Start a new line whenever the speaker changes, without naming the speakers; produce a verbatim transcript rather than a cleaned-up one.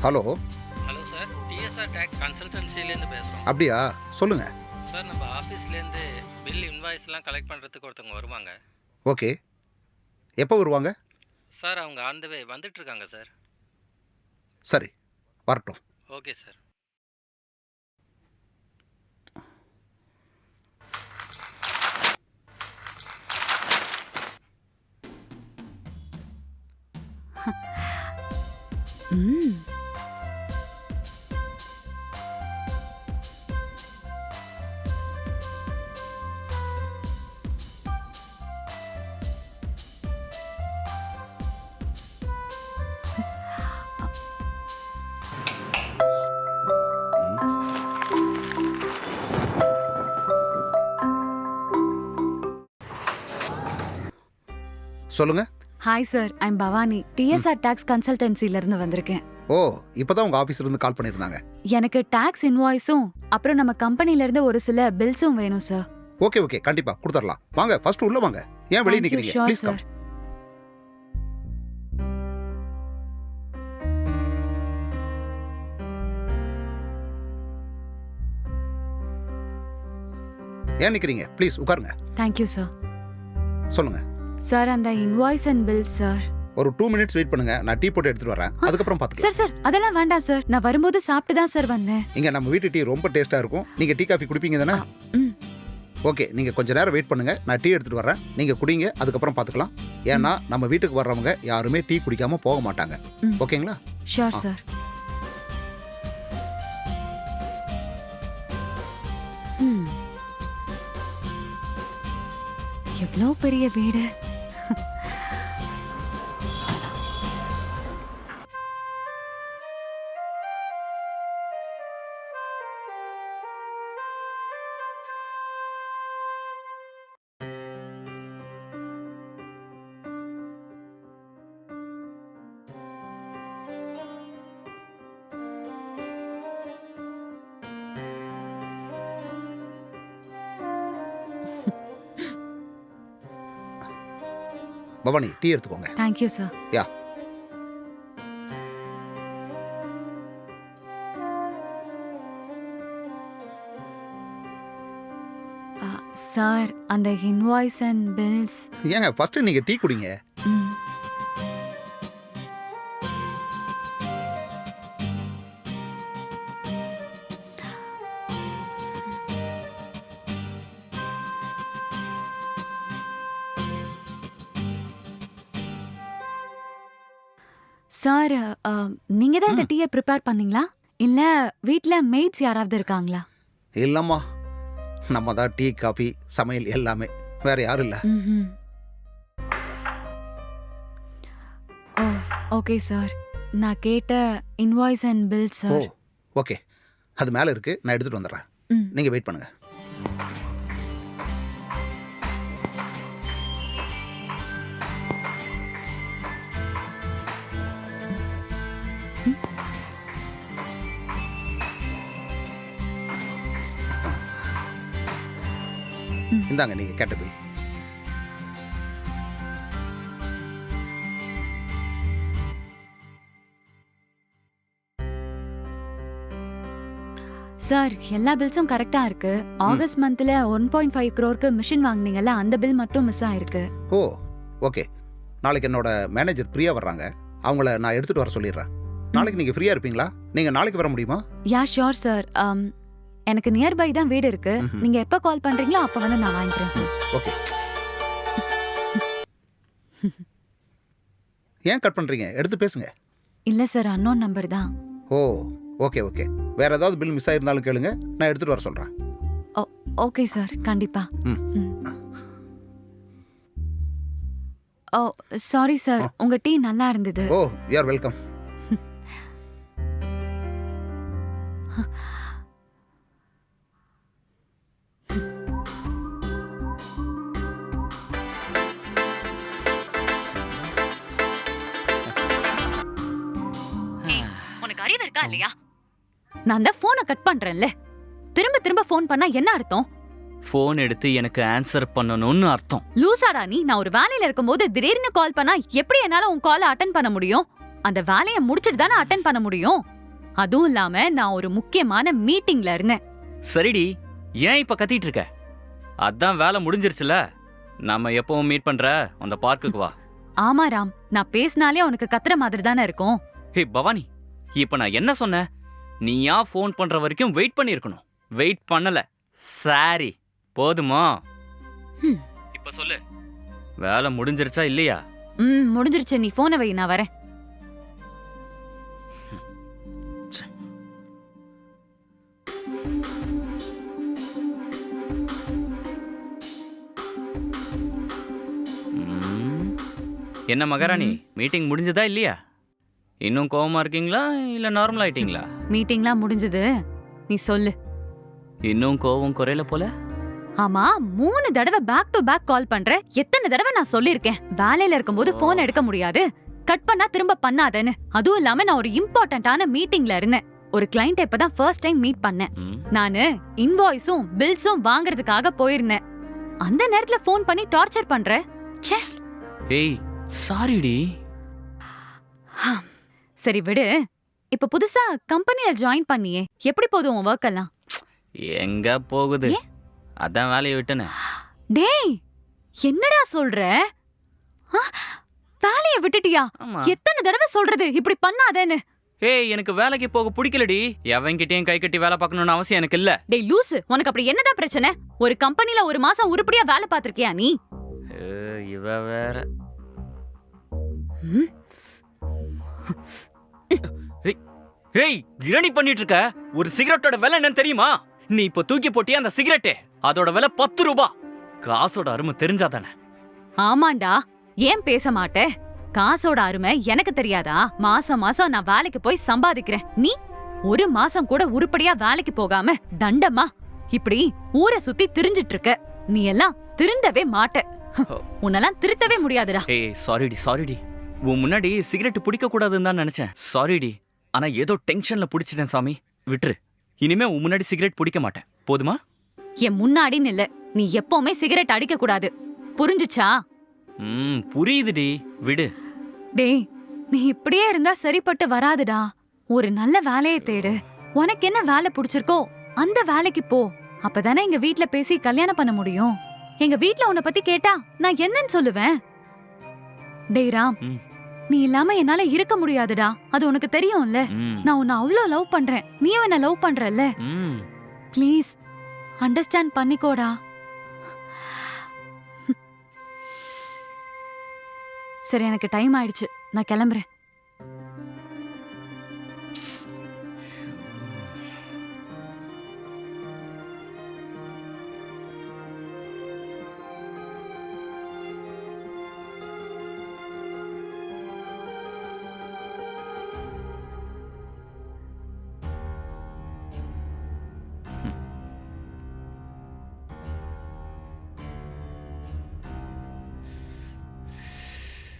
Hello.
Hello sir, TSR tax கன்சல்டன்சிலேருந்து பேசுகிறோம்.
அப்படியா, சொல்லுங்க.
சார், நம்ம ஆஃபீஸ்லேருந்து பில் இன்வாய்ஸ்லாம் கலெக்ட் பண்ணுறதுக்கு ஒருத்தவங்க வருவாங்க.
ஓகே, எப்போ வருவாங்க?
சார், அவங்க ஆன் த வே வந்துட்டுருக்காங்க சார்.
சரி, வரட்டும்.
Okay sir.
ம்
சொல்லுங்க.
Hi sir, I'm Bhavani. TSR tax கன்சல்டன்சில இருந்து வந்திருக்கேன்.
ஓ, இப்பதான் உங்க ஆபீஸ்ல இருந்து கால் பண்ணிருந்தாங்க.
எனக்கு டாக்ஸ் இன்வாய்ஸும் அப்புறம் நம்ம கம்பெனில இருந்து ஒரு சில பில்ஸும் வேணும் சார்.
ஓகே ஓகே, கண்டிப்பா கொடுத்துடலாம். வாங்க, ஃபர்ஸ்ட் உள்ள வாங்க. ஏன் வெளிய நிக்கிறீங்க? Please come. ஏன் நிக்கிறீங்க? ப்ளீஸ் உட்காருங்க.
Thank you sir.
சொல்லுங்க
சார், அந்த இன்வாய்ஸ் அண்ட் பில் சார்.
ஒரு டூ மினிட்ஸ் வெயிட் பண்ணுங்க, நான் டீ போட்டு எடுத்துட்டு வரேன். அதுக்கப்புறம் பாத்துக்கலாம்.
சார் சார் அதெல்லாம் வேண்டாம் சார், நான் வரும்போது சாப்பிட்டு தான் சார் வந்தேன்.
இங்க நம்ம வீட்டு டீ ரொம்ப டேஸ்டா இருக்கும். நீங்க டீ காஃபி குடிப்பீங்க தானே?
ம்
ஓகே, நீங்க கொஞ்ச நேரம் வெயிட் பண்ணுங்க, நான் டீ எடுத்துட்டு வரேன். நீங்க குடிங்க, அதுக்கப்புறம் பாத்துக்கலாம். ஏன்னா நம்ம வீட்டுக்கு வர்றவங்க யாருமே டீ குடிக்காம போக மாட்டாங்க.
ம்.
ஓகேங்களா?
Sure sir. ம் எவ்வளோ பெரிய வீடு.
பவானி, டீ எடுத்துக்கோங்க.
Thank you sir.
யா.
சார், அந்த இன்வாய்ஸ் அண்ட் பில்ஸ்.
ஏங்க ஃபர்ஸ்ட் நீங்க டீ குடிங்க.
ம் சார், நீங்க தான் இந்த டீயை ப்ரிப்பேர் பண்ணீங்களா இல்ல வீட்ல மேட்ஸ் யாராவது இருக்காங்களா?
இல்லம்மா, நம்ம தான் டீ காஃபி சமையல் எல்லாமே, வேற யாரும் இல்ல.
ம்ஹும். ஓ ஓகே சார், நான் கேட்ட இன்வாய்ஸ் அண்ட் பில்
ஓ
சார்.
ஓகே, அது மேல இருக்கு, நான் எடுத்துட்டு வந்துடுறேன்.
ம்
நீங்க வெயிட் பண்ணுங்க.
ம்.
இந்தாங்க நீங்க கேட்ட பில்.
சார், எல்லா பில்ஸும் கரெக்டா இருக்கு. ஆகஸ்ட் மந்த்ல ஒன் பாயிண்ட் ஃபைவ் க்ரோருக்கு மிஷின் வாங்குனீங்கல்ல, அந்த பில் மட்டும் மிஸ் ஆயிருக்கு.
ஓ ஓகே, நாளைக்கு என்னோட மேனேஜர் பிரியா வர்றாங்க, அவங்கள நான் எடுத்துட்டு வர சொல்லிடுறேன். நாளைக்கு நீங்க ஃப்ரீயா இருப்பீங்களா? நீங்க நாளைக்கு வர முடியுமா?
Yeah sure sir. எனக்கு நியர்பை தான் வீடு இருக்கு.
ம்ஹும்.
நீங்க எப்ப கால் பண்றீங்களோ அப்ப வந்து நான் வாங்கிக்கிறேன் சார்.
ஓகே. ஏன் கட் பண்றீங்க? எடுத்து பேசுங்க.
இல்ல சார், அன்னோன் நம்பர் தான்.
ஓ ஓகே ஓகே, வேற ஏதாவது பில் மிஸ் ஆயிருந்தாலும் கேளுங்க, நான் எடுத்துட்டு வர சொல்றேன்.
ஓகே சார், கண்டிப்பா.
ம்.
ம். ஓ சாரி சார், உங்க டீ நல்லா இருந்தது.
Oh you are welcome.
உனக்கு அறிவு இருக்கா இல்லையா? நான் தான் போனை கட் பண்றேன்ல, திரும்ப திரும்ப போன் பண்ணா என்ன அர்த்தம்?
ஃபோன் எடுத்து எனக்கு ஆன்சர் பண்ணணும்னு அர்த்தம்.
லூசாடா நீ? நான் ஒரு வேலையில இருக்கும்போது திடீர்னு கால் பண்ணா எப்படி என்னால உன் காலை அட்டென்ட் பண்ண முடியும்? அந்த வேலைய முடிச்சிட்டு தானே அட்டென்ட் பண்ண முடியும். அதுவும் இல்லாம நான் ஒரு முக்கியமான மீட்டிங்ல இருந்தேன்.
சரிடி, ஏன் இப்ப கத்திட்டு இருக்க? அதான் வேலை முடிஞ்சிருச்சுல. நம்ம எப்பவும் மீட் பண்ற அந்த பார்க்குக்கு வா.
ஆமா ராம், நான் பேசினாலே உனக்கு கத்துற மாதிரி தானே இருக்கும்.
ஹே பவானி, இப்ப நான் என்ன சொன்னேன்? நீ ஏன் ஃபோன் பண்ற வரைக்கும் வெயிட் பண்ணிருக்கணும். வெயிட் பண்ணல. சாரி, போதுமா?
ஹம்.
இப்ப சொல்லு, வேலை முடிஞ்சிருச்சா இல்லையா?
ம் முடிஞ்சிருச்சு, நீ போனை வை, நான் வரேன்.
ம். என்ன மகாராணி, மீட்டிங் முடிஞ்சதா இல்லையா? இன்னும் கோவமா இருக்கீங்களா இல்ல நார்மல் ஆயிட்டீங்களா?
மீட்டிங்லாம் முடிஞ்சது, நீ சொல்லு.
இன்னும் கோவம் குறையல போல.
ஆமா, மூணு தடவை பேக் டு பேக் கால் பண்ற. எத்தனை தடவை நான் சொல்லிருக்கேன் வேலையில இருக்கும்போது போன் எடுக்க முடியாது, கட் பண்ணா திரும்ப பண்ணாதேன்னு. அதுவும் இல்லாம நான் ஒரு இம்பார்ட்டன்டான மீட்டிங்ல இருந்தேன். ஒரு கிளையண்ட் இப்பதான் ஃபர்ஸ்ட் டைம் மீட் பண்ணேன்.
ம்.
நானு இன்வாய்ஸும் பில்ஸும் வாங்குறதுக்காக போயிருந்தேன். அந்த நேரத்துல போன் பண்ணி டார்ச்சர் பண்ற. ச்சே.
ஏய் சாரிடி.
சரி விடு. இப்ப புதுசா கம்பெனில ஜாயின் பண்ணியே, எப்படி போதும் உன் ஒர்க் எல்லாம்?
எங்க போகுது, அதான் வேலையை விட்டனே.
டேய், என்னடா சொல்ற? ஆ, வேலைய விட்டுட்டியா?
ஆமா.
எத்தனை தடவை சொல்றது இப்படி பண்ணாதேன்னு?
ஏய், எனக்கு வேலைக்கு போக பிடிக்கலடி. எவன்கிட்டயும் கை கட்டி வேலை பார்க்கணும்னு அவசியம் எனக்கு இல்ல.
டேய் லூசு, உனக்கு அப்படி என்னதான் பிரச்சனை? ஒரு கம்பெனில ஒரு மாசம் உருப்படியா வேலை பார்த்திருக்கியா நீ?
ஏய், இவ வேற.
ம்?
ஏய், இரணி பண்ணிட்டு இருக்க. ஒரு சிகரெட்டோட விலை என்னன்னு தெரியுமா? நீ இப்ப தூக்கி போட்டியா அந்த சிகரெட்டு, அதோட விலை பத்து ரூபாய். காசோட அருமை தெரிஞ்சாதானே?
ஆமாண்டா, ஏன் பேச மாட்டே? காசோட அருமை எனக்கு தெரியாதா? மாசம் மாசம் நான் வேலைக்கு போய் சம்பாதிக்கிறேன். நீ ஒரு மாசம் கூட உருப்படியா வேலைக்கு போகாம தண்டமா இப்படி ஊரை சுத்தி திரிஞ்சிட்டு இருக்க. நீ எல்லாம் திருந்தவே மாட்ட. உன்னெல்லாம் திருத்தவே முடியாதுடா.
ஏய் சாரிடி சாரிடி. உன் முன்னாடி சிகரெட் பிடிக்க கூடாதுன்னு தான் நினைச்சேன். சாரிடி. ஆனா ஏதோ டென்ஷன்ல பிடிச்சிட்டேன் சாமி. விட்டுரு. இனிமே உன் முன்னாடி சிகரெட் பிடிக்க மாட்டேன், போதுமா?
என் முன்னாடின்னு இல்ல, நீ எப்பவுமே சிகரெட் அடிக்க கூடாது, புரிஞ்சுச்சா?
ம் புரியுதுடி, விடு.
டேய், நீ இப்படியே இருந்தா சரிப்பட்டு வராதுடா. ஒரு நல்ல வேலையை தேடு. உனக்கு என்ன வேலை பிடிச்சிருக்கோ அந்த வேலைக்கு போ. அப்பதானே எங்க வீட்ல பேசி கல்யாணம் பண்ண முடியும். எங்க வீட்ல உன்னை பத்தி கேட்டா நான் என்னன்னு சொல்லுவேன்? டேய் ராம்,
ம்.
நீ இல்லாம என்னால இருக்க முடியாதுடா. அது உனக்கு தெரியும்ல.
ம்.
நான் உன்னை அவ்ளோ லவ் பண்றேன், நீயும் என்ன லவ் பண்றல்ல.
ம்.
ப்ளீஸ் அண்டர்ஸ்டாண்ட் பண்ணிக்கோடா. சரி, எனக்கு டைம் ஆயிடுச்சு, நான் கிளம்புறேன்.